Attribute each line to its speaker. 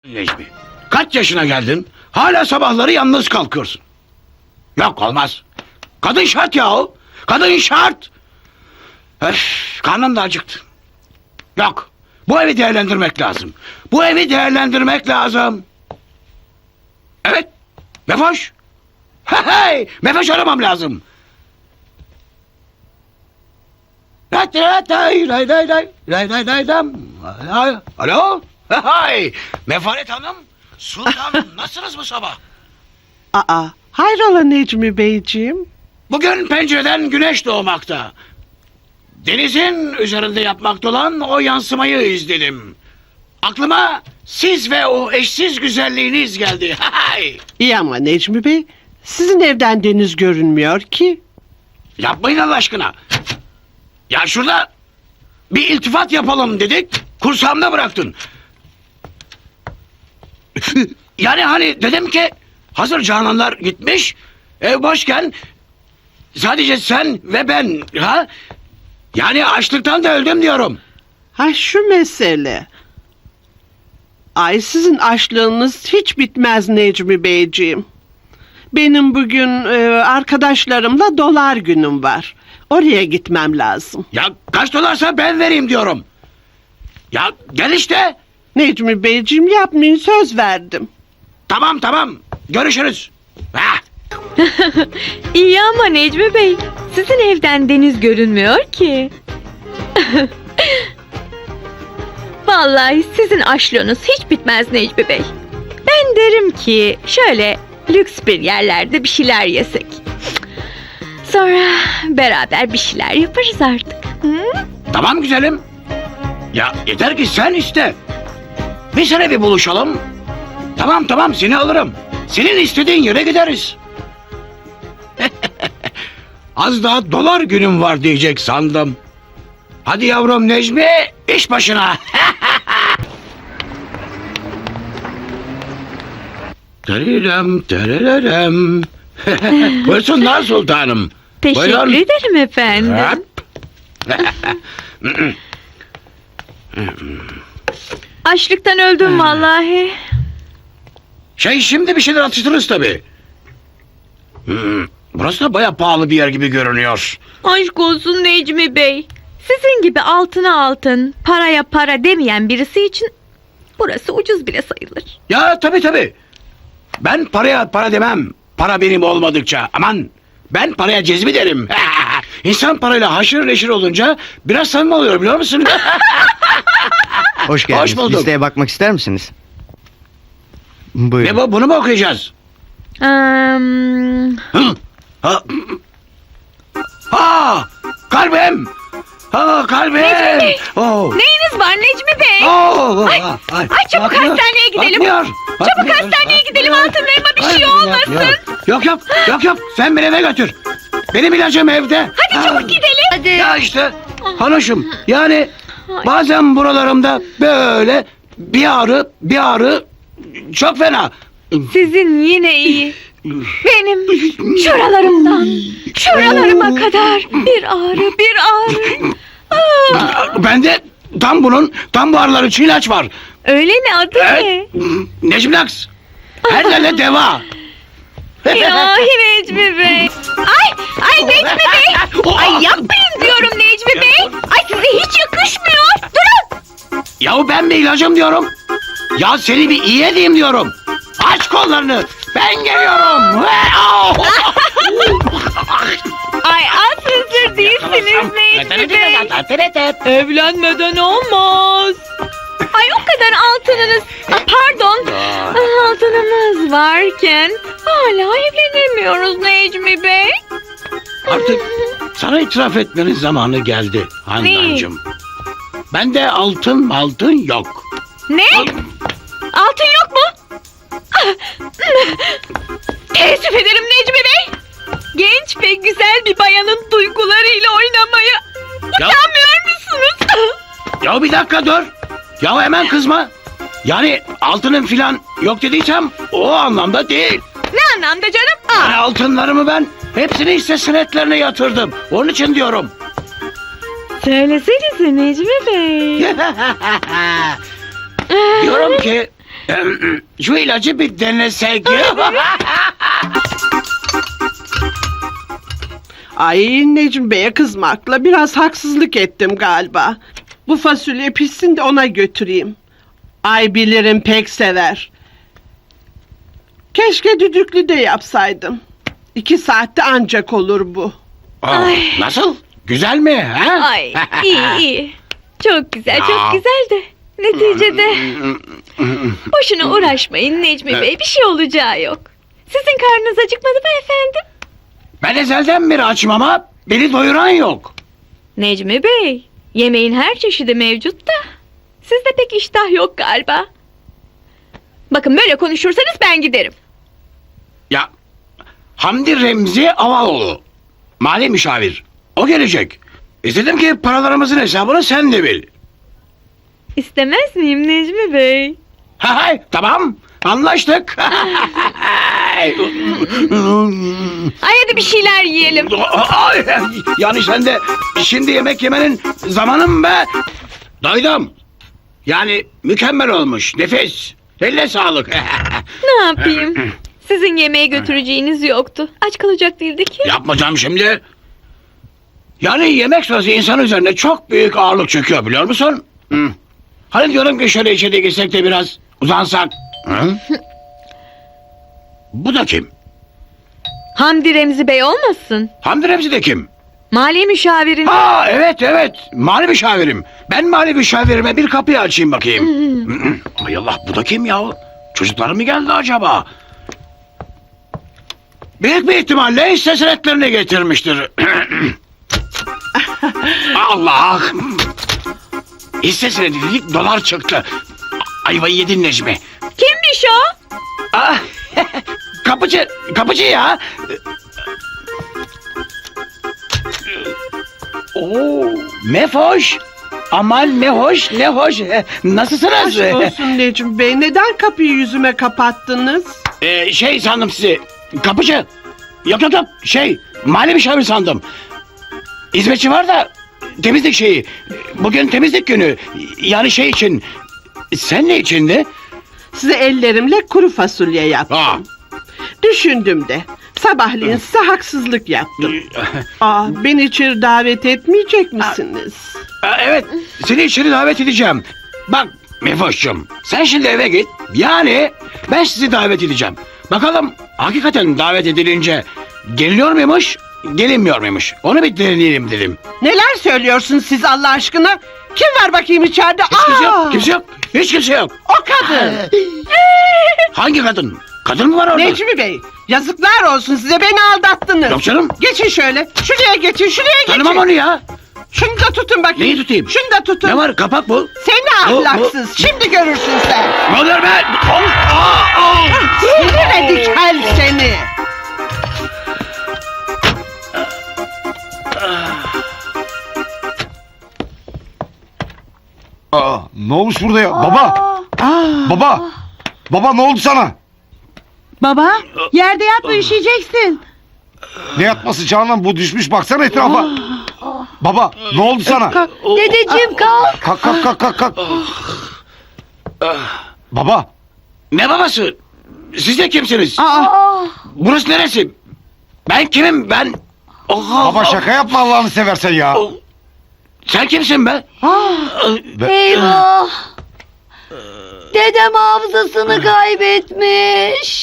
Speaker 1: Necmi, kaç yaşına geldin? Hala sabahları yalnız kalkıyorsun. Yok, olmaz. Kadın şart yahu. Kadın şart. Karnım da acıktı. Yok. Bu evi değerlendirmek lazım. Bu evi değerlendirmek lazım. Evet. Mefoş. Hey, Mefoş aramam lazım. Alo? Hay, Mefaret Hanım, Sultanım, nasılsınız bu sabah?
Speaker 2: Aa, hayrola Necmi Beyciğim?
Speaker 1: Bugün pencereden güneş doğmakta. Denizin üzerinde yapmakta olan o yansımayı izledim. Aklıma siz ve o eşsiz güzelliğiniz geldi. Hay!
Speaker 2: İyi ama Necmi Bey, sizin evden deniz görünmüyor ki.
Speaker 1: Yapmayın Allah aşkına. Ya şurada bir iltifat yapalım dedik, kursağımda bıraktın. Yani hani dedim ki hazır cananlar gitmiş, ev boşken sadece sen ve ben, ha? Yani açlıktan da öldüm diyorum.
Speaker 2: Ha şu mesele. Ay sizin açlığınız hiç bitmez Necmi Beyciğim. Benim bugün arkadaşlarımla dolar günüm var. Oraya gitmem lazım.
Speaker 1: Ya kaç dolarsa ben vereyim diyorum. Ya gel işte.
Speaker 2: Necmi Beyciğim yapmayın, söz verdim.
Speaker 1: Tamam, görüşürüz. Ha.
Speaker 3: İyi ama Necmi Bey, sizin evden deniz görünmüyor ki. Vallahi sizin aşlığınız hiç bitmez Necmi Bey. Ben derim ki şöyle lüks bir yerlerde bir şeyler yesek. Sonra beraber bir şeyler yaparız artık. Hı?
Speaker 1: Tamam güzelim. Ya yeter ki sen iste. Bir sene bir buluşalım. Tamam seni alırım. Senin istediğin yere gideriz. Az daha dolar günüm var diyecek sandım. Hadi yavrum Necmi, iş başına. Tererem. Buyursunlar sultanım.
Speaker 3: Teşekkür
Speaker 1: Buyurun.
Speaker 3: ederim efendim.
Speaker 1: Hop.
Speaker 3: Açlıktan öldüm vallahi.
Speaker 1: Şimdi bir şeyler atıştırırız tabii. Burası da baya pahalı bir yer gibi görünüyor.
Speaker 3: Aşk olsun Necmi Bey. Sizin gibi altına altın, paraya para demeyen birisi için burası ucuz bile sayılır.
Speaker 1: Ya tabii. Ben paraya para demem. Para benim olmadıkça. Aman, ben paraya cezmi derim. İnsan parayla haşır neşir olunca biraz samimi oluyor, biliyor musun?
Speaker 4: Hoş geldiniz.
Speaker 1: Hoş bulduk.
Speaker 4: Listeye bakmak ister misiniz? Buyurun.
Speaker 1: Ne bu, bunu mu okuyacağız? Hı? Ha, kalbim. Ha, kalbim.
Speaker 3: Necmi Bey.
Speaker 1: Oh.
Speaker 3: Neyiniz var Necmi Bey?
Speaker 1: Oh.
Speaker 3: Ay, çabuk
Speaker 1: Bakmıyor,
Speaker 3: hastaneye gidelim.
Speaker 1: bakmıyor,
Speaker 3: Çabuk
Speaker 1: bakmıyor,
Speaker 3: hastaneye gidelim,
Speaker 1: bakmıyor.
Speaker 3: altınlarıma bir şey
Speaker 1: Bakmıyor,
Speaker 3: olmasın.
Speaker 1: Yok. Sen beni eve götür. Benim ilacım evde.
Speaker 3: Hadi çabuk gidelim. Hadi.
Speaker 1: Ya işte hanışım, yani bazen buralarımda böyle bir ağrı çok fena.
Speaker 3: Sizin yine iyi. Benim şuralarıma kadar bir ağrı.
Speaker 1: Bende tam bu ağrılar için ilaç var.
Speaker 3: Öyle mi, adı ne?
Speaker 1: Necmilax. Her yerle deva.
Speaker 3: İlahi Necmi Bey. Ay Necmi Bey. Ay yapmayın diyorum Necmi Bey. Ay size hiç yakışmıyor. Durun.
Speaker 1: Yahu ben bir ilacım diyorum. Ya seni bir iyi edeyim diyorum. Aç kollarını. Ben geliyorum.
Speaker 3: Ay az hazır değilsiniz Necmi Bey. Evlenmeden olmaz. Ay o kadar altınınız, altınımız varken hala evlenemiyoruz Necmi Bey.
Speaker 1: Artık sana itiraf etmenin zamanı geldi Handancığım. Bende altın yok.
Speaker 3: Ne? Altın yok mu? Teessüf ederim Necmi Bey. Genç ve güzel bir bayanın duygularıyla oynamaya utanmıyor musunuz?
Speaker 1: Ya bir dakika dur. Ya hemen kızma. Yani altının filan yok dediysem o anlamda değil.
Speaker 3: Ne anlamda canım?
Speaker 1: Yani altınlarımı ben hepsini hisse senetlerine yatırdım. Onun için diyorum.
Speaker 3: Söylesenize Necmi Bey.
Speaker 1: Diyorum ki Şu ilacı bir denesek.
Speaker 2: Ay Necmi Bey'e kızmakla biraz haksızlık ettim galiba. Bu fasulye pişsin de ona götüreyim. Ay bilirim pek sever. Keşke düdüklü de yapsaydım. 2 saatte ancak olur bu.
Speaker 1: Aa, nasıl? Güzel mi? Ha?
Speaker 3: Ay iyi. Çok güzel,
Speaker 1: Ya.
Speaker 3: çok güzel de. Neticede boşuna uğraşmayın Necmi Bey. Bir şey olacağı yok. Sizin karnınız acıkmadı mı efendim?
Speaker 1: Ben ezelden beri açım ama beni doyuran yok.
Speaker 3: Necmi Bey, yemeğin her çeşidi mevcut da sizde pek iştah yok galiba. Bakın böyle konuşursanız ben giderim.
Speaker 1: Ya Hamdi Remzi Avaloğlu, mali müşavir. O gelecek. İstedim ki paralarımızın hesabını sen de bil.
Speaker 3: İstemez miyim Necmi Bey?
Speaker 1: Hay tamam, anlaştık.
Speaker 3: Ay hadi bir şeyler yiyelim.
Speaker 1: Ay, yani sen de şimdi yemek yemenin zamanı mı be? Doydum. Yani mükemmel olmuş, nefis. Eline sağlık.
Speaker 3: Ne yapayım? Sizin yemeğe götüreceğiniz yoktu. Aç kalacak değildi ki.
Speaker 1: Yapmayacağım şimdi. Yani yemek sırası insan üzerine çok büyük ağırlık çöküyor biliyor musun? Hı. Hani diyorum ki şöyle içeri girsek de biraz uzansak. Hı? Bu da kim?
Speaker 3: Hamdi Remzi Bey olmasın?
Speaker 1: Hamdi Remzi de kim?
Speaker 3: Mali müşavirin.
Speaker 1: Ha evet mali müşavirim. Ben mali müşavirime bir kapıyı açayım bakayım. Ay Allah bu da kim ya? Çocuklar mı geldi acaba? Büyük bir ihtimalle hisse senetlerini getirmiştir. Allah! Hisse senedi dedik dolar çıktı. Ayvayı yedin Necmi.
Speaker 3: Kimmiş o?
Speaker 1: Ah, kapıcı ya. Oo, mefoş. Aman mehoş, ne hoş. Nasılsınız?
Speaker 2: Aşk olsun Necmi Bey. Neden kapıyı yüzüme kapattınız?
Speaker 1: Şey sandım sizi. Kapıcı. Yok. Mali müşavir sandım. Hizmetçi var da temizlik şeyi. Bugün temizlik günü. Yani şey için. Sen ne içindi?
Speaker 2: Size ellerimle kuru fasulye yaptım.
Speaker 1: Aa.
Speaker 2: Düşündüm de. Sabahleyin size haksızlık yaptım. Beni içeri davet etmeyecek misiniz?
Speaker 1: Evet, seni içeri davet edeceğim. Bak Mefoş'cum, sen şimdi eve git. Yani ben sizi davet edeceğim. Bakalım hakikaten davet edilince geliniyor muymuş, gelinmiyor muymuş? Onu bir deneyelim dedim.
Speaker 2: Neler söylüyorsunuz siz Allah aşkına? Kim var bakayım içeride?
Speaker 1: Hiç kimse yok, kimse yok. Hiç kimse yok.
Speaker 2: O kadın.
Speaker 1: Hangi kadın? Kadın mı var orada?
Speaker 2: Necmi Bey, yazıklar olsun size, beni aldattınız.
Speaker 1: Yok canım.
Speaker 2: Geçin şöyle. Şuraya geçin, şuraya geçin.
Speaker 1: Tanımam onu ya.
Speaker 2: Şunu da tutun bakayım.
Speaker 1: Neyi tutayım?
Speaker 2: Şunu da tutun.
Speaker 1: Ne var, kapak bu?
Speaker 2: Seni
Speaker 1: Bu-
Speaker 2: ahlaksız. Şimdi görürsün sen.
Speaker 1: Ne oluyor be?
Speaker 2: Sinir edikel seni.
Speaker 5: Ne olmuş burada ya? Baba! Baba ne oldu sana?
Speaker 6: Baba, yerde yatma üşüyeceksin.
Speaker 5: Ne yatması Canan, bu düşmüş baksana etrafa. Baba ne oldu sana?
Speaker 6: Dedeciğim kalk.
Speaker 5: Kalk. Baba
Speaker 1: Ne babası? Siz de kimsiniz? Burası neresi? Ben kimim ben?
Speaker 5: baba şaka yapma Allah'ını seversen ya.
Speaker 1: Sen kimsin be?
Speaker 6: Eyvah. Dedem hafızasını kaybetmiş.